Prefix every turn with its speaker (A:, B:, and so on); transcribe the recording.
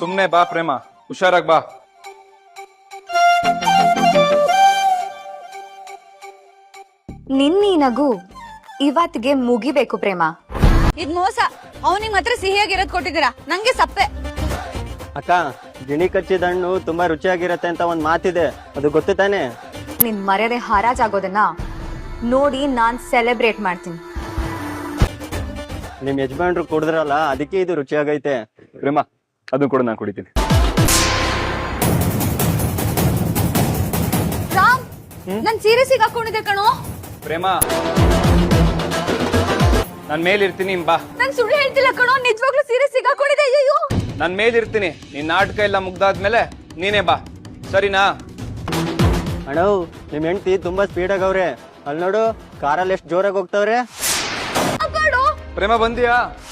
A: ಸುಮ್ನೆ ಬಾ ಪ್ರೇಮ, ಹುಷಾರಾಗ್ ಬಾ.
B: ನಿನ್ನೀ ನಗು ಇವತ್ತಿಗೆ ಮುಗಿಬೇಕು ಪ್ರೇಮ.
C: ಇದ್ ಮೋಸ. ಅವನಿಗೆ ಮಾತ್ರ ಸಿಹಿಯಾಗಿರೋದ್ ಕೊಟ್ಟಿದ್ದೀರಾ, ನಂಗೆ ಸಪ್ಪೆ.
D: ಅಕ್ಕ, ಗಿಣಿ ಕಚ್ಚಿದ ಹಣ್ಣು ತುಂಬಾ ರುಚಿಯಾಗಿರತ್ತೆ ಅಂತ ಒಂದ್ ಮಾತಿದೆ, ಅದು ಗೊತ್ತು ತಾನೆ?
B: ನಿನ್ ಮರ್ಯಾದೆ ಹರಾಜಾಗೋದನ್ನ ನೋಡಿ ನಾನ್ ಸೆಲೆಬ್ರೇಟ್ ಮಾಡ್ತೀನಿ.
D: ನಿಮ್ ಯಜಮಾನ್ರು ಕುಡಿದ್ರಲ್ಲ, ಅದಕ್ಕೆ ಇದು ರುಚಿಯಾಗೈತೆ.
A: ಪ್ರೇಮ, ಅದನ್ನ ಕೂಡ ನಾನು ಕುಡಿತೀನಿ.
C: ರಾಮ್, ನನ್ ಸೀರೆ ಸಿಗಾಕೊಂಡಿದೆ ಕಣೋ.
A: ಪ್ರೇಮ, ನನ್ ಮೇಲಿರ್ತೀನಿ ಬಾ.
C: ನನ್ ಸುಳ್ಳು ಹೇಳ್ತಿಲ್ಲ ಕಣೋ, ನಿಜವಾಗ್ಲೂ ಸೀರೆ ಸಿಗಾಕೊಂಡಿದೆ. ಅಯ್ಯೋ,
A: ನನ್ ಮೇಲಿರ್ತೀನಿ. ನಿನ್ ನಾಟಕ ಎಲ್ಲ ಮುಗ್ದಾದ್ಮೇಲೆ ನೀನೇ ಬಾ, ಸರಿನಾ?
D: ಅಣ್ಣವ್, ನಿಮ್ ಹೆಂಡತಿ ತುಂಬಾ ಸ್ಪೀಡ್ ಆಗವ್ರೆ. ಅಲ್ಲಿ ನೋಡು, ಕಾರಲ್ಲಿ ಎಷ್ಟು ಜೋರಾಗಿ ಹೋಗ್ತಾವ್ರೆ.
C: ಅಪ್ಪಾಡು.
A: ಪ್ರೇಮ ಬಂದಿಯಾ?